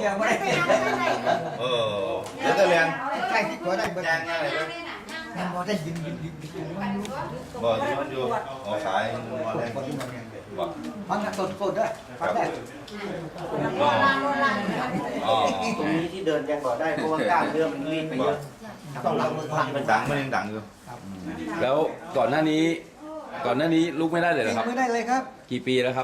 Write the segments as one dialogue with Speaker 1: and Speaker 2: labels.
Speaker 1: ยังไม่ได้
Speaker 2: เดี๋ยวจะเรียน
Speaker 1: ใช่ที่ตัวได้เบอร์
Speaker 2: แจ้งง่ายเลย
Speaker 1: ยังพอได้ยิน
Speaker 2: บอกที่มันอยู่ออกสายมาแรงบอก
Speaker 1: ฟังสดด้วยฟังได้
Speaker 3: ตรงนี้ที่เดินยังก่อได้เพราะว่ากล้ามเนื้อมันรีบไปเยอะต้องรับมือพัง
Speaker 2: มันดังมันยังดังอยู่
Speaker 4: แล้วก่อนหน้านี้ลุกไม่ได้เลยเหรอครับ
Speaker 1: ไม่ได้เลยครับ
Speaker 4: กี่ปีแล้วครับ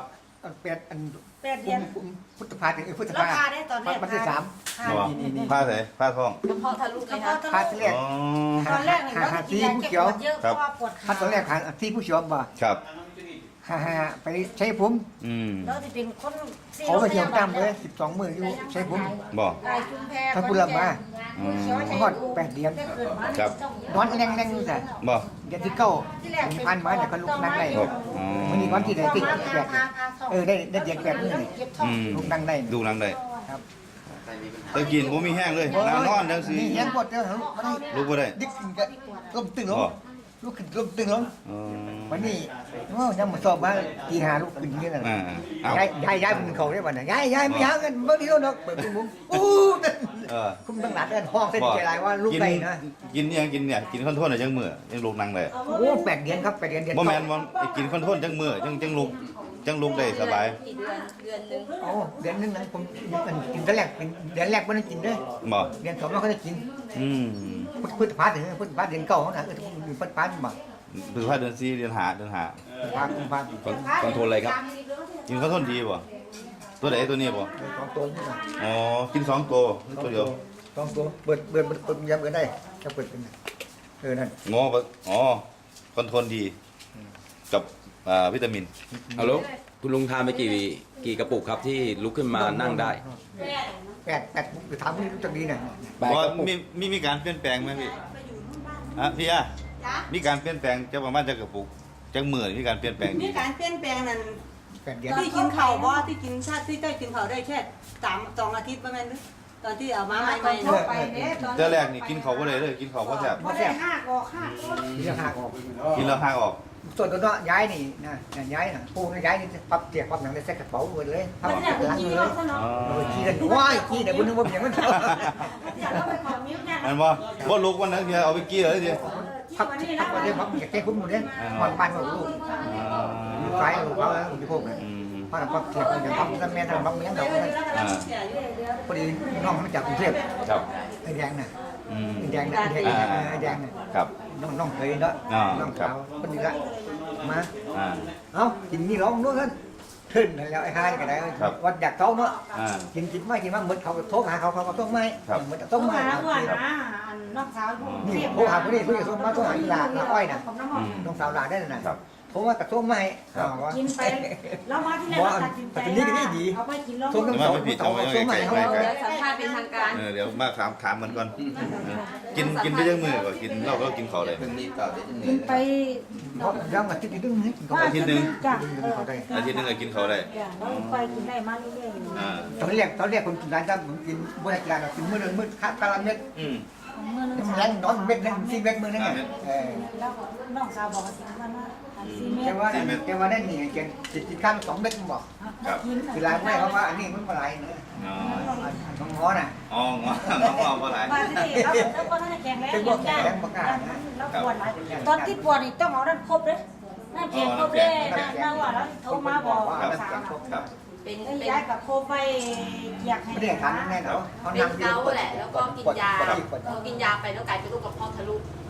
Speaker 1: 8 เดือนพุทธภาพุทธ
Speaker 5: แล้ว
Speaker 1: ภา
Speaker 5: พาได้ตอนแรก
Speaker 1: วันที่3
Speaker 2: บอกผ้าใส่ผ้าท้อง
Speaker 5: กระเพาะทะลุเลยคะ
Speaker 1: พาที่แรก
Speaker 5: ตอนแรกเนี่ยเราจะกินยาแก้ปวดเยอะเพราะว่าปวดขา
Speaker 1: พาตอนแรกที่ผู้ชมบ่
Speaker 2: ครับ
Speaker 1: ไปใช้ผม
Speaker 5: แล้วจะเป็นคน
Speaker 1: เขาไปเที่ยวตามเลย12 มื้ออยู่ใช้ผม
Speaker 2: บอก
Speaker 5: ไก่ชุมแพ
Speaker 1: ถ้าพูดละมาฮอด8 เดือน
Speaker 2: ครับ
Speaker 1: นอนแรงๆอยู่แต่
Speaker 2: บอก
Speaker 1: เดือนที่9ผ่านมาเนี่ยก็ลุกนั่งได้
Speaker 2: ครับ
Speaker 1: มันมีวันที่ได้ติด8ได้เดือน8มื้อนี่ลุกนั่งได้
Speaker 2: ดูนังได้
Speaker 1: ครับ
Speaker 2: ตะกินผมมีแห้งเลยนอนจังสิ
Speaker 1: นี่ยังปวดเด้อลุกบ่ได้
Speaker 2: ลุกบ่ได้
Speaker 1: ดิกขึ้นก็ล้มตึงลงลุกขึ้นล้มตึงลง
Speaker 2: อ๋อ
Speaker 1: วันนี้โอ้ยังมาสอบมาตี5ลุกขึ้นนี่น่ะ
Speaker 2: เอา
Speaker 1: ย้ายเป็นเขาได้บ่น่ะย้ายไม่ยาวกันบ่ดีดอกเปิดมุ้งอู้คุมตั้งหลัดเอิ้นห้องเส้นใจหลายว่าลุกได้นะ
Speaker 2: กินยังกินเนี่ยกินข้าวโพดจังมื้อยังลุกนั่งได้
Speaker 1: โอ้8 เดือนครับ8 เดือน
Speaker 2: บ่แม่นบ่กินข้าวโพดจังมื้อจังลุกได้สบาย
Speaker 1: โอ้เดือนนึงนะผมกินแต่แรกเป็นเดือนแรกบ่ได้กินเด้อ
Speaker 2: บ่
Speaker 1: เดือน2เราก็ได้กิน พุทธภาถึงพุทธภาเดือน9นะพุทธภาบ่
Speaker 2: พฤษภาเดือน4เดือน5เดือน5
Speaker 1: พุทธภากุมภา
Speaker 4: คอนโทรลอะไรครับ
Speaker 2: กินข้าวโพดดีบ่ตัวไหนตัวนี้บ่
Speaker 1: 2 ตัวนี่นะ
Speaker 2: อ๋อกิน2ตัวตัวเดียว
Speaker 1: 2 ตัวเปิดยังเปิดได้ถ้าเปิดเป็นนั่น
Speaker 2: งอบ่อ๋อคอนโทรลดีกับวิตามิน
Speaker 4: เอาแล้วคุณลุงทานไปกี่กระปุกครับที่ลุกขึ้นมานั่งได้
Speaker 1: 8ถามพี่รู้จักดีน่ะ
Speaker 2: ว่ามีการเปลี่ยนแปลงไหมพี่พี่มีการเปลี่ยนแปลงจะประมาณจะกระปุกจังมื้อมีการเปลี่ยนแปลง
Speaker 6: มีการเปลี่ยนแปลงนั้น
Speaker 1: 8 เดือน
Speaker 6: ที่กินข้าวบ่ที่กินชาติที่ได้กินข้าวได้แค่2 อาทิตย์ประมาณนี้ตอนที่เอามาใหม่ๆ
Speaker 5: ทั่วไปเนี่ยตอน
Speaker 2: เจ้าแรกนี่กินเขาบ่ได้เลยกินเขาบ่แซ่บ
Speaker 5: พอได้5 กอก
Speaker 1: เรื่องหักออก
Speaker 2: กินแล้วห่างออก
Speaker 1: ส่วนตัวเนาะย้ายนี่นะย้ายน่ะปูย้ายนี่ปั๊บเตียกปั๊บหนังได้ใส่กระเป๋าเลยปั๊บ
Speaker 5: มันเนี่ยคือ
Speaker 1: หลัง
Speaker 5: กิน
Speaker 1: เล
Speaker 5: เรา
Speaker 1: ย
Speaker 5: ซะเนาะ
Speaker 1: ขี้กันว้ายขี้แต่บุญนึกว่าอย่างนั้น
Speaker 5: เดี๋ยวเราไปขอมิ้วเนี่ย
Speaker 2: อันบ่ลุกวันนั้นเดียวเอาไปกี้เลยที
Speaker 1: พักพักเดี๋ยวพักอยากแก้คุ้มหมดเลยหอนปันหมดลูกไฟลูกเขาแล้วอยู่พวกนั้นเพราะพักเทียบกันพักแม่ทำพักเมียเราพอดีน้องมาจากกรุงเทพ
Speaker 2: ครับ
Speaker 1: ไอ้แดงน่ะไอ้แดงน่ะไอ้แดงน่ะ
Speaker 2: ครับ
Speaker 1: น้องเคยเนาะน้องสาวคนนี้ละมาเอ้ากินนี่ร้องนู้นกันขึ้นแล้วไอ้ห้าก็ได้วัดอยากเต้าเนาะกินไม่กินมาเหมือนเขาโทรหาเขาต้องไม่เหมือนต้องไม่
Speaker 5: น้องสาว
Speaker 1: นี่โทรหาคนนี้คุยกับโทรมาโทรหาอีหลาอ้อยน่ะน้องสาวหลาได้น่ะโทรมากับโทรไม่
Speaker 5: กินไปแล้วมาที่ไหนเราตัดสินใจเอาไปกินแล้ว
Speaker 1: โทรน้องสาวโทรไม่เขา
Speaker 6: สัมภาษณ์เป็นทางการ
Speaker 2: เดี๋ยวมาถามมันก่อนกินไปจังมื้อก่อนกินเราก็กินเขาเลย
Speaker 5: กินไป
Speaker 1: ย่างอาทิตย์นึงนี่
Speaker 2: อาทิตย์นึง
Speaker 5: จ้ะ
Speaker 2: อาทิตย์นึงก็กินเขาได้
Speaker 5: เราไปกินได้มาเรื่อยๆ
Speaker 1: ตอนแรกคนกินร้านจ้าผมกินบริการกินมื้อนึงมื้อข้าวกะละเม็ดแรงนอนเม็ดนึง4 เม็ดมื้อนึง
Speaker 5: แล้วน้องสาวบอกว่าสิมันว่า4 เมตร
Speaker 1: แกว่าได้นี่แกกินข้าว2 เม็ดบอกคือร้านแม่เขาว่าอันนี้มันมาหลายนะน้องง้อน่ะ
Speaker 2: อ๋อง้อบ่หลาย
Speaker 5: มาที่นี่แล้วก็ท่านแข็งแรงแล้วปวดตอนที่ปวดนี่ต้องเอานั่นครบเลยนั่นแข็งครบเลยนั่นว่าแล้วโทรมาบอกสาว
Speaker 2: ครับ
Speaker 6: เป็น
Speaker 5: ย้ายกับโคไปอยากให้
Speaker 1: ไม่ได้ทานแน่เนาะ
Speaker 6: เป็นเกาแหละแล้วก็กินยาพอกินยาไปแล้วกลายเป็นโรคกระเพาะทะลุ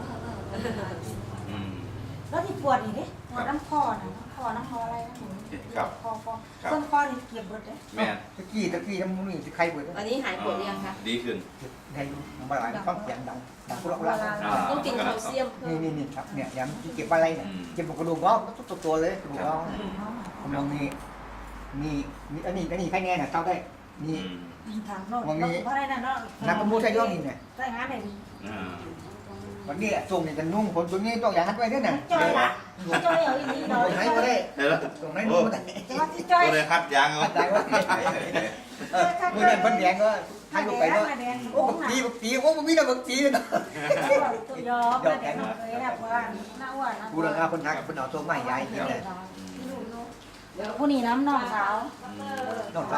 Speaker 5: แล้วที่ปวดนี่ดิปวดน้ำคอนะน้ำคออะไรนะคอต้นคอนี่เก็บหมดเลย
Speaker 2: แม่
Speaker 1: ตะกี้น้ำมันใครเปิด
Speaker 6: วันนี้หายปวดยังคะ
Speaker 2: ดีขึ้น
Speaker 1: ให้มาหลายต้องเสียงดังพวกเรา
Speaker 6: ต้องกินแคลเซียม
Speaker 1: นี่ครับเนี่ยย้ำเก็บอะไรเนี่ยเก็บกระดูกง้อตัวเลยกระดูกง้อผมลองนี่อันนี้ใครแน่น่ะเท่าได้นี่
Speaker 5: ถามน้องเพราะอะไรนะน้อง
Speaker 1: นักมูใช้ย่องนี่เนี่ย
Speaker 5: ใช่งานไหน
Speaker 1: วันนี้ส่งเนี่ยจะนุ่งคนตัวนี้ต้องอย่างนั้นไว้ด้วยน่ะ
Speaker 5: จอยละจอยเอาอีนี้
Speaker 1: ต
Speaker 5: หน่
Speaker 1: ร
Speaker 5: อย
Speaker 1: งไหนก็ได้ตรงไหนนุ่งก็ได้
Speaker 5: แต่ว่าที่จอย
Speaker 2: ตัวเลยคัดยางเอา
Speaker 1: ได้ว่าเมื่อนั้นพันแดงก็ให้ลูกไปเนาะโอ้บักตีโอ้บักมีนะบักตีเนาะ
Speaker 5: ตัวยอมแดงเลยนะเพราะว่าหน้าอ้วน
Speaker 1: กูเรื่องคนทักคนเอาตัวใหม่ยายกินเลย
Speaker 5: ผู้นี้น้ำน้องสาว
Speaker 1: น้อง